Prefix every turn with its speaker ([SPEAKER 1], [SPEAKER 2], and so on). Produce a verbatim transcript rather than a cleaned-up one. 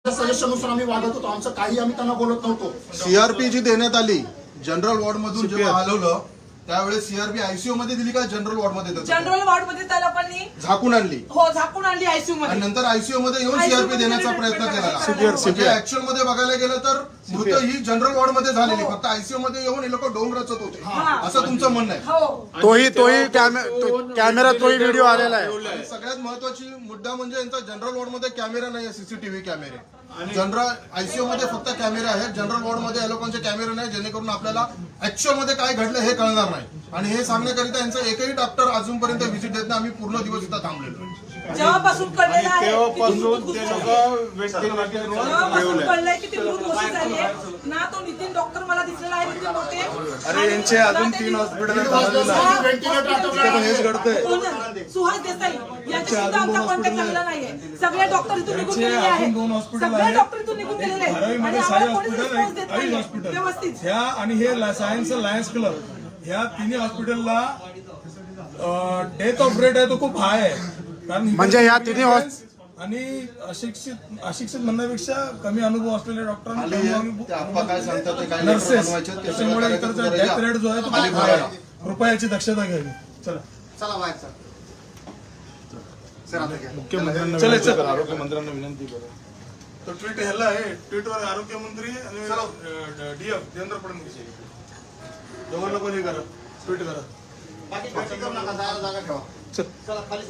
[SPEAKER 1] सजेशननुसार आम्ही वागत होतो, आमचं काही आम्ही त्यांना बोलत नव्हतो।
[SPEAKER 2] सीआरपी जी देण्यात आली जनरल वॉर्ड मधून जेव्हा हलवलं त्यावेळेस सीआरपी आयसीयू मध्ये दिली का जनरल वॉर्ड मध्ये देतो?
[SPEAKER 3] जनरल वॉर्ड मध्ये त्या लोकांनी
[SPEAKER 2] झाकून आणली,
[SPEAKER 3] हो झाकून आणली आयसीयू मध्ये,
[SPEAKER 2] आणि नंतर आयसीयू मध्ये येऊन सीआरपी देण्याचा प्रयत्न केला। ऍक्च्युअल मध्ये बघायला गेलं तर मृत्यू ही जनरल वॉर्ड मध्ये झालेली, फक्त आयसीयू मध्ये येऊन हे लोक डोंग रचत होते, असं तुमचं म्हणणं आहे?
[SPEAKER 3] हो,
[SPEAKER 4] तोही तोही कॅमेरा तोही व्हिडिओ आलेला आहे।
[SPEAKER 2] सगळ्यात महत्वाची मुद्दा म्हणजे यांचा जनरल वॉर्ड मध्ये कॅमेरा नाही, सीसीटीव्ही कॅमेरे। जनरल आयसीयू मध्ये फक्त कॅमेरे आहेत, जनरल वॉर्ड मध्ये या लोकांचे कॅमेरे नाही, जेणेकरून आपल्याला ऍक्च्युअल मध्ये काय घडलं हे कळणार नाही। आणि हे सांगण्याकरिता यांचा एकही डॉक्टर अजूनपर्यंत व्हिजिट देत नाही, आम्ही पूर्ण दिवस इथं थांबलेलो।
[SPEAKER 3] जेव्हापासून कळलेलं आहे
[SPEAKER 4] तेव्हापासून ते
[SPEAKER 3] जेव्हापासून कळलंय की ते मृत घोषित झाले ना, तो नितीन डॉक्टर मला दिसलेला आहे नितीन मोठे।
[SPEAKER 4] अरे यांचे अजून तीन हॉस्पिटल हेच घडतंय।
[SPEAKER 3] सुहास देसाई यांच्या सुद्धा आमचा कॉन्टॅक्ट झालेला नाहीये, सगळे डॉक्टर इथून निघून गेलेले आहेत, सगळे डॉक्टर इथून निघून गेलेले आहेत आणि आम्हाला कोणी रिस्पॉन्स देत नाहीये व्यवस्थित।
[SPEAKER 5] ह्या आणि हे सायन्स लायन्स क्लब ह्या तिन्ही हॉस्पिटलला डेथ ऑफ रेट आहे तो खूप हाय आहे, कारण
[SPEAKER 4] म्हणजे ह्या तिन्ही
[SPEAKER 5] आणि अशिक्षित अशिक्षित म्हणण्यापेक्षा कमी अनुभव असलेल्या डॉक्टरांना नर्सेस, त्याच्यामुळे इकडचा डेथ रेट जो आहे तो खूप हाय आहे। कृपया याची दक्षता घ्यावी। चला
[SPEAKER 1] चला बाहेर सर, सर आता
[SPEAKER 4] मुख्यमंत्र्यांना आरोग्यमंत्र्यांना विनंती करा।
[SPEAKER 5] तो ट्विट ह्याला आहे, ट्विटवर आरोग्यमंत्री आणि डीएफ देवेंद्र फडणवीस दोघांना पण हे करा, ट्विट करा।
[SPEAKER 1] बाकी जागा ठेवा।